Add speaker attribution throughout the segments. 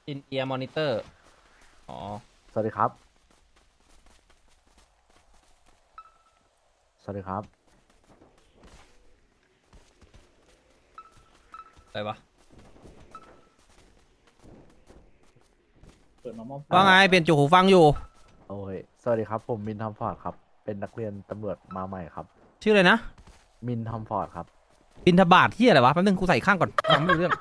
Speaker 1: อินเอียร์มอนิเตอร์อ๋อ
Speaker 2: สวัสดีครับ สวัสดีครับ
Speaker 1: อะไรวะ
Speaker 3: เปิดมามอบ
Speaker 2: เอ่อ
Speaker 1: ว่าไงเปลี่ยนจุกหูฟังอยู่
Speaker 2: โอ้ยสวัสดีครับ ผมมินทอมฟอร์ดครับ เป็นนักเรียนตำรวจมาใหม่ครับ
Speaker 1: ชื่ออะไรนะ
Speaker 2: มินทอมฟอร์ดครับ
Speaker 1: บินทบาทที่อะไรวะแป๊บนึงกูใส่ข้างก่อนฟังไม่รู้เรื่อง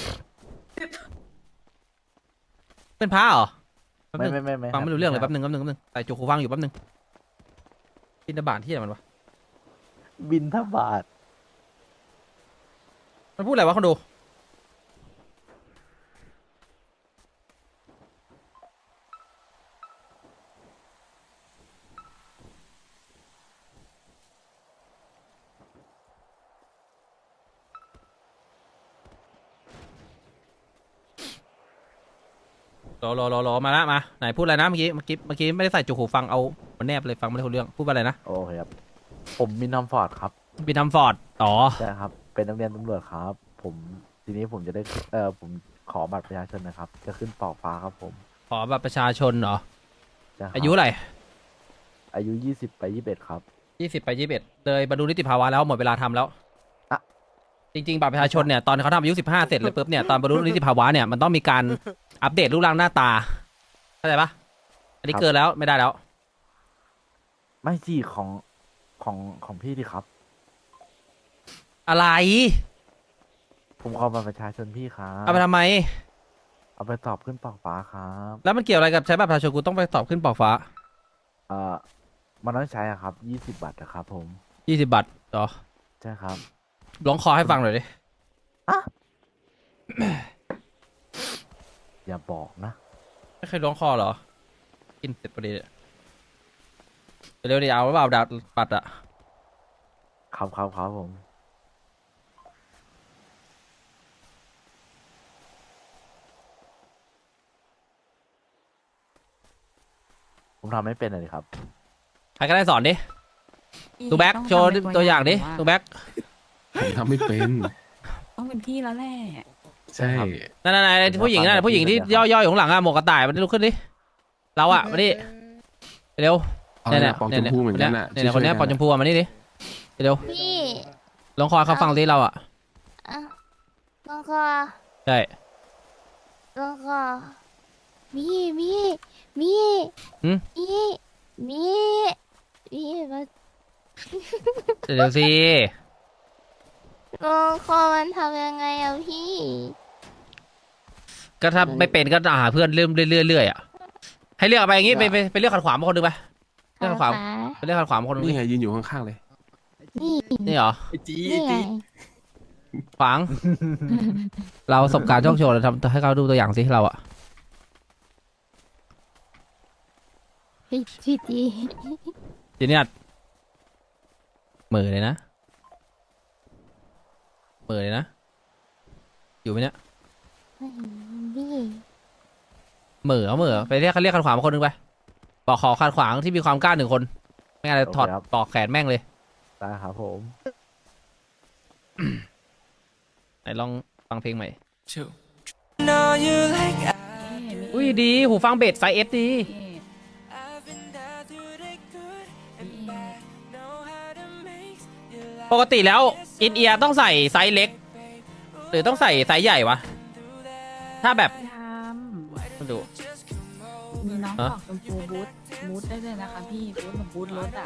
Speaker 1: เป็นพระเหรอแป๊บนึง
Speaker 2: ไม่
Speaker 1: ฟังไม่รู้เรื่องเลย
Speaker 2: ครั
Speaker 1: แป๊บนึงใส่จุกหูฟังอยู่แป๊บนึงบินทบาทที่อะไรมันวะ
Speaker 2: บินทบาท
Speaker 1: มันพูดอะไรวะคนดูรอมาละมาไหนพูดอะไรนะเมื่อกี้ไม่ได้ใส่จุกหูฟังเอามันแนบเลยฟังไม่ได้รู้เรื่องพูดว่าอะไรนะ
Speaker 2: โอเคครับ ผมมินทอมฟอร์ดครับ
Speaker 1: บินทำฟอร์ดอ๋อ
Speaker 2: ใช่ครับ เป็นนักเรียนตำรวจครับ ทีนี้ผมจะได้ ผมขอบัตรประชาชนนะครับ จะขึ้นปอกฟ้าครับผม
Speaker 1: ขอบัตรประชาชนเหรอ
Speaker 2: ใช่ครับ
Speaker 1: อายุอะไร
Speaker 2: อายุ20 ไป 21ครับ
Speaker 1: 20 ไป 21เลยบรรลุนิติภาวะแล้วหมดเวลาทำแล้ว
Speaker 2: อะ
Speaker 1: จริงๆบัตรประชาชนเนี่ยตอนเขาทำอายุ15เสร็จเลยปุ๊บเนี่ยตอนบรรลุนิติภาวะเนี่ยมันต้องมีการอัปเดตรูปร่างหน้าตาเข้าใจปะอันนี้เกินแล้วไม่ได้แล้ว
Speaker 2: ไม่สิของพี่ดิครับ
Speaker 1: อะไร
Speaker 2: ผมขอบัตรประชาชนพี่ครั
Speaker 1: เอาไป
Speaker 2: บ
Speaker 1: ทำไม
Speaker 2: เอาไปสอบขึ้นปอกฟ้าครับ
Speaker 1: แล้วมันเกี่ยวอะไรกับใช้บัตรประชาชนกูต้องไปสอบขึ้นปอกฟ้า
Speaker 2: เอ่อมันต้องใช้อะครับ20 บาทนะครับผม
Speaker 1: 20 บาทเหรอ
Speaker 2: ใช่ครับ
Speaker 1: ร้องคอให้ฟังหน่อยดิ
Speaker 2: อะอย่าบอกนะ
Speaker 1: ไม่เคยร้องคอเหรอกินเสร็จพอดีเนี่ยเร็วๆดิเอาหรือเปล่าดาบบัตรอะ
Speaker 2: ครับผม ผมทำไม่เป็นเลยครับ
Speaker 1: ใครก็ได้สอนดิตูแบ็กโชว์ตัวอย่างดิตูแบ็ก
Speaker 4: ผมทำไม่เป็น
Speaker 5: ต้องเป็นพี่แล้วแหละ
Speaker 4: ใช่
Speaker 1: นั่นผู้หญิงนั่นผู้หญิงที่ย่อๆอยู่ข้างหลังอะหมวกกระต่ายมันลุกขึ้นดิเราอะมาดิเร็ว
Speaker 4: เอา
Speaker 1: เนี่ย
Speaker 4: ละปองชมพูเหมือนกันอ่ะ
Speaker 1: เนี่ยคนเนี้ยปอนชมพูมานี่ดิเร็ว
Speaker 6: พี่
Speaker 1: ลองคอยเขาฟังดิเราอ่ะ
Speaker 6: อ่ะลองคอ
Speaker 1: ใช่
Speaker 6: ลองคอมีมีมี
Speaker 1: หืม
Speaker 6: มีมีมีมา
Speaker 1: เดี๋ยวสิ
Speaker 6: ลองคอมันทำยังไงอะพี่
Speaker 1: ก็ถ้าไม่เป็นก็หาเพื่อนเรื่อยๆอ่ะให้เลือกไปอย่างงี้ไปเลือกขัดขวางมาคนหนึงไปเลือกขัดขวางไปเลือกขัดขวางมาคนหนึง
Speaker 4: นี่ไงยืนอยู่ข้างๆเลย
Speaker 6: นี่
Speaker 1: นี่เหรอ
Speaker 6: นี่ไง
Speaker 1: ขวาง เราประสบการณ์โชคโชนเราทำให้เขาดูตัวอย่างสิเราอ่ะ
Speaker 6: พี่จี
Speaker 1: ทีนี้เหม่อเลยนะเหม่อเลยนะอยู่ไหมเนี่ย
Speaker 6: พี่
Speaker 1: เหม่อเอาเหม่อไปเรียกขัดขวางมาคนหนึงไปบอกขอขัดขวางที่มีความกล้า1 คนไม่งั้นจะถอด
Speaker 2: โอเคครับ
Speaker 1: ปอกแขนแม่งเลย
Speaker 2: ได้ครับผม
Speaker 1: ไหนลองฟังเพลงใหม่
Speaker 5: เอ๊ะมี
Speaker 1: อุ้ยดีหูฟังเบสไซส์เอฟดี
Speaker 5: เอ๊ะมี
Speaker 1: ปกติแล้วอินเอียร์ต้องใส่ไซส์เล็ก หรือต้องใส่ไซส์ใหญ่วะ ถ้าแบบ
Speaker 5: ท
Speaker 1: มาดู
Speaker 5: ำมีน้อง
Speaker 1: ฮะ
Speaker 5: บอกชมพูบูทได้เลยนะคะพี่บูทแบบบูทรถอ่ะ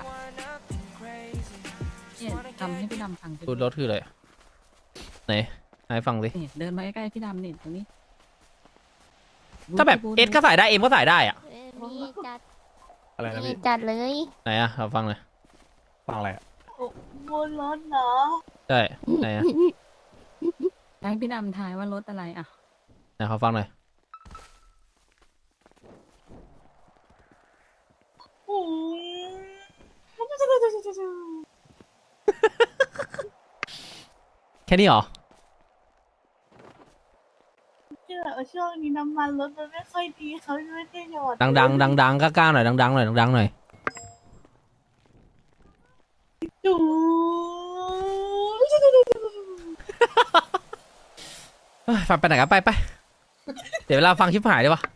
Speaker 5: เนี่ยทำให้พี่ดำฟังสิ
Speaker 1: ดูรถคืออะไรไหนให้ฟังสิ
Speaker 5: เนี่ยเดินมาใกล้ๆพี่ดำเนี่ยตรงนี้
Speaker 1: ถ้าแบบ
Speaker 5: บูท
Speaker 1: เอสก็ใส่ได้เอ็มก็ใส่ได้อะ
Speaker 6: พี่จัด
Speaker 3: อะไรนะ
Speaker 6: พี่
Speaker 3: พี่
Speaker 6: จัดเลย
Speaker 1: ไหนอะเราฟังเลย
Speaker 3: ฟังอะไรอะ
Speaker 6: บนรถเหรอ
Speaker 1: ใช่ไหนอะ
Speaker 5: ให้พี่ดำทายว่ารถอะไรอ่ะ
Speaker 1: ไหนเขาฟังหน่อยแค่นี้เหรอ
Speaker 6: ช่วงนี้น้ำมันรถมันไม่ค่อยดีเขาไม่ได้หยอด
Speaker 1: ดังก็กล้าหน่อยดังๆหน่อยดังๆหน่อย
Speaker 6: จู
Speaker 1: เอ้ยฟังไปไหนกันไปเดี๋ยวเวลาฟังชิบหายได้ปะ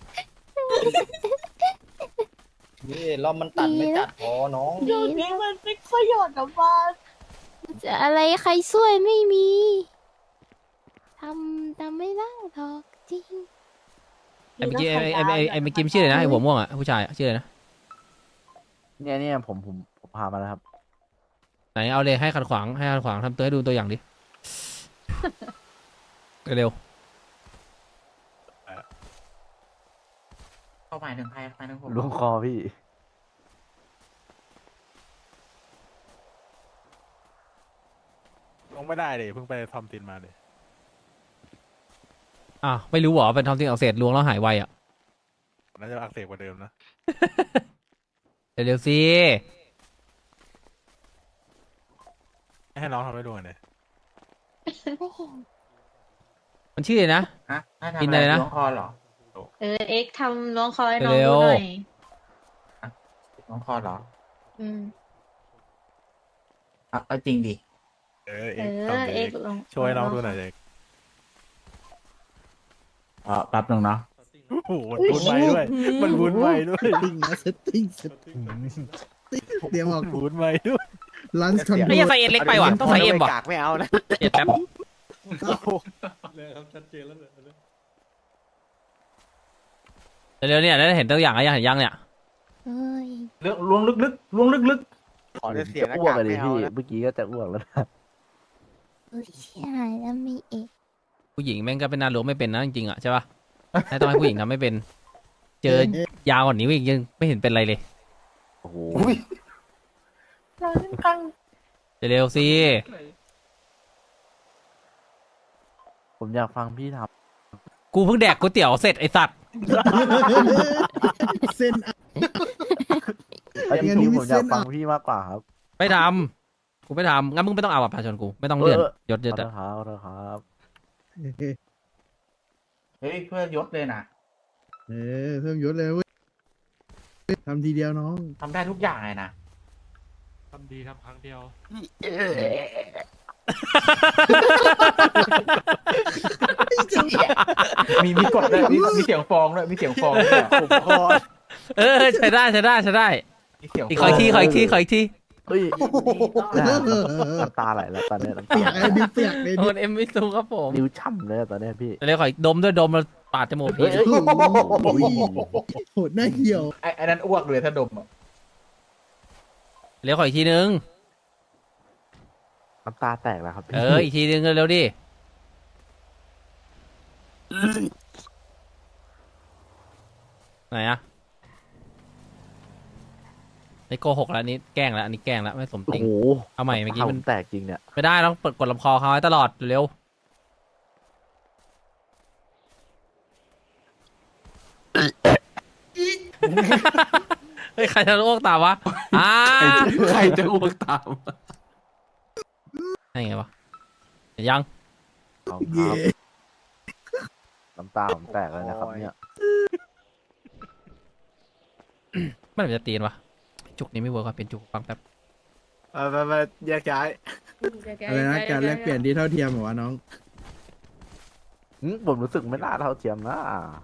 Speaker 7: นี่รอบมันตัดไม่จัดพอน้อง
Speaker 6: เดี๋ยวนี้มันไม่ค่อยหยอดน้ำมัน
Speaker 8: จะอะไรใครช่วยไม่มีทำไม่ได้หรอกจริง
Speaker 1: ไอ้เมื่อกี้ไอ้เมื่อกี้มันชื่ออะไรนะไอ้หัวม่วงอ่ะผู้ชายอะชื่ออะไรนะ
Speaker 2: เนี่ยผมพามาแล้วครับ
Speaker 1: ไหนเอาเลยให้ขัดขวางทำตัวให้ดูตัวอย่างดิ เร็ว
Speaker 7: เข้าหมายถึงใครหมายถึงผม
Speaker 2: ล้วงคอพี่
Speaker 3: ลงไม่ได้เลยเพิ่งไปทำตินมาเลย
Speaker 1: ๆไม่รู้เหรอเป็นทอมซินอักเสบลวงแล้วหายไวอ่ะ
Speaker 3: น่าจะอักเสบกว่าเดิมนะ
Speaker 1: เร็วๆสิ
Speaker 3: ให้น้องทำให้ดูหน่อยเลย
Speaker 8: ไม่เห็น
Speaker 1: มันชื่ออะไรนะ
Speaker 7: ฮะให้ทำ
Speaker 1: กิน
Speaker 7: อะ
Speaker 1: อะไร ไรนะ
Speaker 7: ล้วงคอเหรอ
Speaker 6: เอ็กทำล้วงคอให้น้อง
Speaker 1: เร็
Speaker 6: ดู
Speaker 1: ว
Speaker 6: หน่อย
Speaker 7: ล้วงคอเหรอ
Speaker 6: อืม
Speaker 7: เอาจริงดิ
Speaker 3: เอกทำเอ
Speaker 6: เอ็
Speaker 3: ก
Speaker 6: กลอง
Speaker 3: ช่วยน้องดูหน่อยเอก
Speaker 7: แป๊บนึงเนาะ
Speaker 3: โอ้โหมันพูดไปด้วย มันพูดไปด้วย
Speaker 9: ติ้งนะเซตติ้งเดี๋ยวบอก
Speaker 3: มันพูดไปด้วย
Speaker 9: ลันช์คอนโท
Speaker 1: ไอ้
Speaker 9: ร
Speaker 1: ยัง
Speaker 9: ล
Speaker 1: ใส่เอ็ดเล็กไปว่ะต้องใส่เอ็มว่ะ
Speaker 2: กากไม่เอานะ
Speaker 1: เอ็ดแป๊บ
Speaker 3: เลยครับชัดเจนแล้วเลย
Speaker 1: เร็วๆเนี่ยได้เห็นตัวอย่างอะไรยังเห็นยังเนี่ย
Speaker 8: เอ้ย
Speaker 7: ล้วงลึกๆล้วงลึก
Speaker 2: ขอจะเสียอ้วกเลยพี่เมื่อกี้ก็จะอ้วกแล้วนะ
Speaker 8: อุ้ยใช่แล้วมีเอก
Speaker 1: ผู้หญิงแม่งก็เป็นนาหลวงไม่เป็นนะจริงๆอ่ะใช่ปะให้ต้องให้ผู้หญิงทำไม่เป็น เจอยาวกว่านี้อีกยังไม่เห็นเป็นไรเลย
Speaker 2: โอ้โห
Speaker 6: เราเล่นกัง
Speaker 1: เร็วๆสิ
Speaker 2: ผมอยากฟังพี่ท
Speaker 1: กูเพิ่งแดกก๋วยเตี๋ยวเสร็จไอสัตว์
Speaker 9: เส้น
Speaker 2: ำอันนี้ผมอยากฟังพี่มากกว่าครับ
Speaker 1: ไม่ทำกูไม่ทำงั้นมึงไม่ต้องเอาบัตรประชาชนกูไม่ต้องเลื่อนยศ
Speaker 2: ข
Speaker 1: ย
Speaker 2: อ
Speaker 1: ศ
Speaker 2: โท
Speaker 1: อะ
Speaker 2: ษครับขอโทษครับ
Speaker 7: ๆ เฮ้ยเพื่อยศเลยนะ
Speaker 9: เพิ่มยศเลยเว้ยทำทีเดียวน้อง
Speaker 7: ทำได้ทุกอย่างเลยนะ
Speaker 3: ทำดีทำครั้งเดียว
Speaker 7: มีกดด้วยมีเสียงฟองด้วยมีเสียงฟองด้วย
Speaker 2: ผมคอ
Speaker 1: ใช้ได้
Speaker 7: มีเสียง
Speaker 1: อีก
Speaker 7: ฟ
Speaker 1: ข
Speaker 7: อ
Speaker 1: อง อีกทีขออีกที
Speaker 2: เฮ้ยน้ำตาไหลแล้วตอนนี้น้ำ
Speaker 9: เปีย
Speaker 2: ตาก
Speaker 9: ไอ้ดิวเปียกเลย
Speaker 1: โดนเอ็มวิสูครับผม
Speaker 2: นิ้วช่ำเลยตอนนี้พี่
Speaker 1: เร็วขออีกดมด้วยดมแล้วปาดจมูก
Speaker 2: เฮ้
Speaker 1: พี่
Speaker 2: ย
Speaker 9: โอ้โหโหดหน้าเหี่ยว
Speaker 7: ไอ้นั้นอ้วกเลยถ้าดมอะ
Speaker 1: เร็วขออีกทีนึง
Speaker 2: น้ำตาแตกแล้วครับพี่
Speaker 1: อีกทีนึงเร็วดิไหนอะนี่โกหกแล้วอันนี้แกล้งแล้วอันนี้แกล้งแล้วไม่สมจ
Speaker 2: โอ้
Speaker 1: ริง
Speaker 2: โห
Speaker 1: เอาใหม่เมื่อกี้มัน
Speaker 2: แตกจริงเนี่ย
Speaker 1: ไม่ได้ต้องกดลำคอเขาไว้ตลอดเร็วเฮ้ยใครจะอ้วกตามวะ
Speaker 4: ใครจะอ้วกตาม
Speaker 1: ไงวะยัง
Speaker 2: ขอบคุณค
Speaker 9: เย่
Speaker 2: รับน้ำตาผมแตกเลยนะครับเนี่ย
Speaker 1: ไม่ได้จะตีนวะจุกนี้ไม่เวิร์กว่ะเป็นจุกฟังแป๊บ
Speaker 3: ไปแยกย้าย
Speaker 9: อะไรนะการแลกเปลี่ยนที่เท่าเทียมเหรอวะน้อง
Speaker 2: ผมรู้สึกไม่น่าเท่าเทียมนะ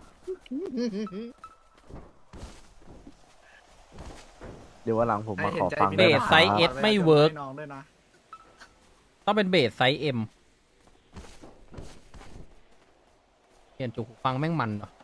Speaker 2: เดี๋ยววันหลังผมมาขอฟัง
Speaker 1: เบ
Speaker 2: ด้วย
Speaker 1: ส
Speaker 2: นะค
Speaker 1: ไซ
Speaker 2: รับ
Speaker 1: ส์เอสไม่เวิร์กต้องเป็นเบสไซส์เอ็มเปลี่ยนจุกฟังแม่งมันเหรอ